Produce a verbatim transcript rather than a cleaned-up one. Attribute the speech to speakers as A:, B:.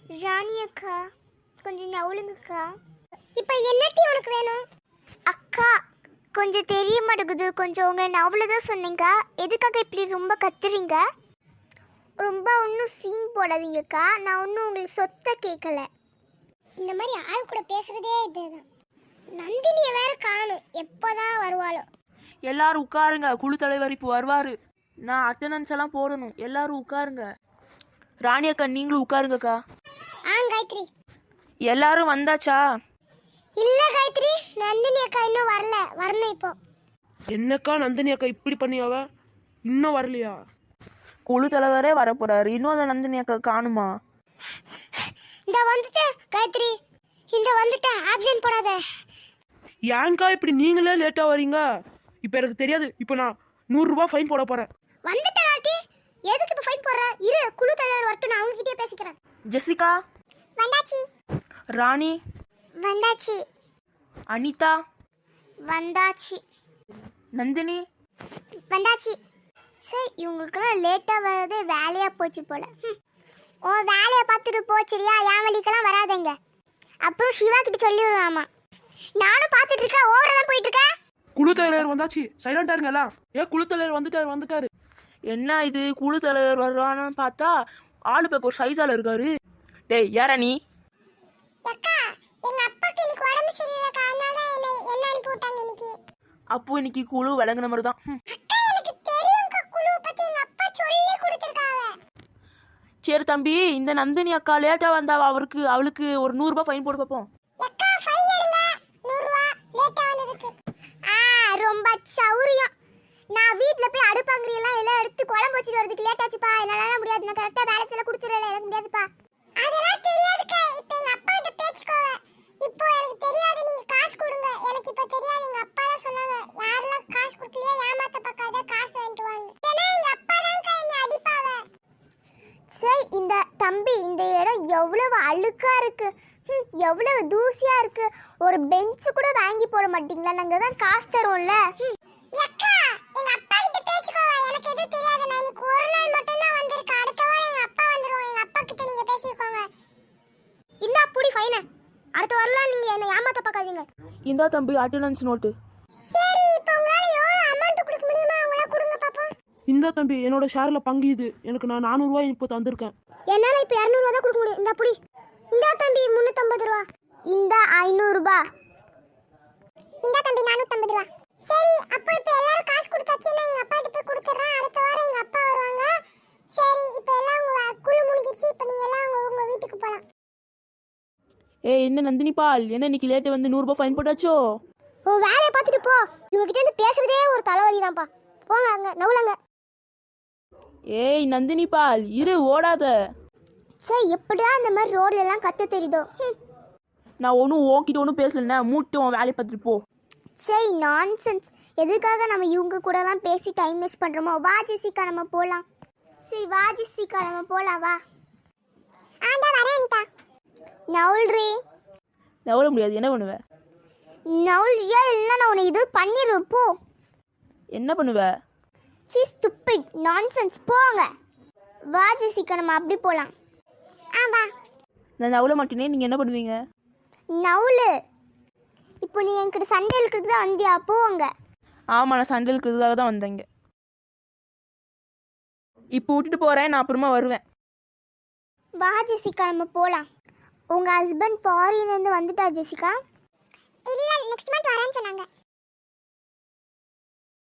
A: ராணி அக்கா கொஞ்சம் நவுளுங்கக்கா. இப்போ என்னட்டி உனக்கு வேணும்? அக்கா கொஞ்சம் தெரிய மாட்டேங்குது, கொஞ்சம் உங்களை நவுல தான் சொன்னீங்க, எதுக்காக இப்படி ரொம்ப கத்துறீங்க? ரொம்ப ஒன்றும் சீன் போடாதீங்கக்கா, நான் ஒன்றும் உங்களுக்கு சொத்தை கேட்கல. இந்த மாதிரி ஆள் கூட பேசுறதே இதுதான். நந்தினியை வேற காணும், எப்போதான் வருவாளோ.
B: எல்லாரும் உட்காருங்க, குழு தலைவர் இப்போ வருவாரு. நான் அட்டண்டன்ஸ் எல்லாம் போடணும், எல்லாரும் உட்காருங்க. ராணி அக்கா நீங்களும் உட்காருங்கக்கா.
A: ஆ காயத்ரி.
B: எல்லாரும் வந்தாச்சா?
A: இல்ல காயத்ரி, நந்தினி அக்கா இன்னும் வரல, வரணும் இப்போ.
C: என்னக்கா நந்தினி அக்கா இப்படி பண்ணியாவ, இன்னும் வரலையா?
B: குழு தலைவரே வரப்போறாரு, இன்னும் அந்த நந்தினி அக்கா காணுமா?
A: இந்த வந்துட்டேன் காயத்ரி, இந்த வந்துட்டேன், ஆப்ஷன் போடாத.
C: ஏன்க்கா இப்படி நீங்களே லேட்டா வரீங்க? இப்போ எனக்கு தெரியாது, இப்போ நான் நூறுரூபா ஃபைன் போட போறேன்.
A: வந்துட்டேன் ஆண்டி, எதுக்கு இப்போ ஃபைன் போடுற? இரு, குழு தலைவர் வரட்டும், நான் அவங்க கிட்டே பேசிக்கிறேன்.
B: ஜெசிகா
A: வந்தாச்சு.
B: ராணி
A: வந்தாச்சு.
B: அனிதா
A: வந்தாச்சு.
B: நந்தினி
A: வந்தாச்சு. சரி, இவங்களுக்கெல்லாம் லேட்டாக வர்றதே வேலையாக போச்சு போல. ஓ வேலையை பார்த்துட்டு போச்சுரியா, என் வழிக்கெல்லாம் வராதங்க. அப்புறம் சிவா கிட்ட சொல்லி விடுவாமா. நானும் பார்த்துட்டு இருக்கேன், ஓவரா தான் போயிட்டு இருக்கேன்.
C: குழு தலைவர் வந்தாச்சு, சைலண்டா இருங்க எல்லாம். ஏ குழு தலைவர் வந்துட்டாரு வந்துட்டாரு.
B: என்ன இது, குழு தலைவர் வருவான்னு பார்த்தா ஆளு பேக்க ஒரு சைஸால இருக்காரு. டேய் யாரா நீ?
A: அக்கா, எங்க அப்பாக்கு இன்னைக்கு உடம்பு சரியில்லைக்கா, அதனால என்ன என்ன அனுப்பி விட்டாங்க இன்னைக்கு.
B: அப்போ இன்னைக்கு குழு விளங்குன மாதிரி தான்.
A: அக்கா எனக்கு தெரியும்க்கா, குழு பத்தி எங்க அப்பா சொல்லி கொடுத்துருக்காங்க.
B: சரி தம்பி, இந்த நந்தினி அக்கா லேட்டா வந்தா அவருக்கு அவளுக்கு ஒரு நூறுரூபா ஃபைன் போட்டு பார்ப்போம்.
A: அக்கா ஃபைன் எடுங்க, நூறு ரூபாய் லேட்டா வந்ததுக்கு. ஆ ரொம்ப சௌரியம். நான் வீட்ல போய் அடுப்பாங்கறியெல்லாம் எல்லாம் எடுத்து குழம்பு வச்சிட்டு வரதுக்கு லேட் ஆச்சுப்பா, என்னால முடியாது, நான் கரெக்டா பேலன்ஸ் எல்லாம் கொடுத்துறல, எனக்கு முடியாதுப்பா. அதெல்லாம் தெரியாதுக்கா, இப்போ எங்க அப்பா கிட்ட பேசிக்கோங்க. இப்போ எனக்கு தெரியாது, நீங்க காசு கொடுங்க. எனக்கு இப்போ தெரியாது, எங்க அப்பா தான் சொன்னாங்க, யாரெல்லாம் காசு கொடுக்கலையா ஏமாத்த பார்க்காத, காசு வாங்கிட்டு வாங்க. ஏன்னா எங்க அப்பா தான்க்கா என்னை அடிப்பாவ. சரி, இந்த தம்பி, இந்த இடம் எவ்வளவு அழுக்கா இருக்கு, எவ்வளவு தூசியா இருக்கு. ஒரு பெஞ்ச் கூட வாங்கி போட மாட்டீங்களா? நாங்க தான் காசு தரோம்ல. அக்கா எங்க அப்பா கிட்ட பேசிக்கோங்க, எனக்கு எதுவும் தெரியாது, நான் இன்னைக்கு ஒரு நாள் மட்டும் தான் வந்திருக்கேன், அடுத்த வாரம் எங்க அப்பா வந்துருவோம், எங்க அப்பா கிட்ட நீங்க பேசிக்கோங்க. இந்த புடி ஃபைன், அடுத்த வாரம் நீங்க என்ன ஏமாத்த பார்க்காதீங்க.
B: இந்தா தம்பி அட்டெண்டன்ஸ் நோட்டு.
A: சரி, இப்போ உங்களால எவ்வளவு அமௌண்ட் கொடுக்க முடியுமா, உங்களால கொடுங்க பாப்போம்.
C: இந்த தம்பி என்னோட ஷேர்ல பங்கு இது, எனக்கு நான் நானூறுரூவா இப்போ தந்திருக்கேன்.
A: என்னால இப்போ இருநூறு ரூபா தான் கொடுக்க முடியும். இந்த புடி. இந்த தம்பி முன்னூத்தம்பது ரூபா. இந்த ஐநூறு ரூபா. இந்த தம்பி நானூத்தம்பது ரூபா. சரி, அப்போ இப்போ எல்லாரும் காசு கொடுத்தாச்சு, நான் எங்க அப்பா கிட்ட போய் கொடுத்துறேன், அடுத்த வாரம் எங்க அப்பா வருவாங்க. சரி, இப்போ எல்லாம் உங்க குழு முடிஞ்சிருச்சு, இப்போ நீங்க எல்லாம் உங்க உங்க வீட்டுக்கு போலாம்.
B: ஏய் என்ன நந்தினி பால், என்ன இன்னைக்கு லேட்டு வந்து நூறுரூபா ஃபைன் போட்டாச்சோ?
A: ஓ வேலையை பார்த்துட்டு போ, இவங்க கிட்ட இருந்து பேசுறதே ஒரு தலைவலி தான்ப்பா. போங்க அங்க நவுலங்க.
B: ஏய் நந்தினி பால் இரு, ஓடாத.
A: சரி, எப்படியா இந்த மாதிரி ரோட்ல எல்லாம் கத்த தெரியுதோ.
B: நான் ஒன்றும் ஓங்கிட்ட ஒன்றும் பேசலண்ணே, மூட்டு உன் வேலையை பார்த்துட்டு போ.
A: சரி, நான்சென்ஸ். எதுக்காக நம்ம இவங்க கூடலாம் பேசி டைம் வேஸ்ட் பண்ணுறோமோ? வா ஜெசிகா, நம்ம போகலாம். சரி வா ஜெசிகா, நம்ம போகலாம், வா. ஆண்டா வரேன் அனிதா. நவுல்ரி.
B: நவர முடியாது, என்ன பண்ணுவ?
A: நவுல்ரியா இல்லைன்னா நான் உன்னை இது பண்ணிடுவேன், போ.
B: என்ன பண்ணுவ?
A: சி ஸ்டூபிட், நான்சென்ஸ், போங்க. வா ஜெசிகா, நம்ம அப்படி போகலாம். ஆ வா.
B: நான் நவல மாட்டேனே, நீங்கள் என்ன பண்ணுவீங்க?
A: நவுலு, இப்போ நீ என்கிட்ட சண்டே இருக்கிறது தான் வந்தியா? போங்க.
B: ஆமாம், நான் சண்டே இருக்கிறதுக்காக தான் வந்தேங்க. இப்போ விட்டுட்டு போகிறேன், நான் அப்புறமா வருவேன்.
A: வா ஜெசிகா, நம்ம போகலாம். உங்கள் ஹஸ்பண்ட் ஃபாரின்லேருந்து வந்துட்டா ஜெசிகா? இல்லை, நெக்ஸ்ட் மந்த் வரேன்னு சொன்னாங்க.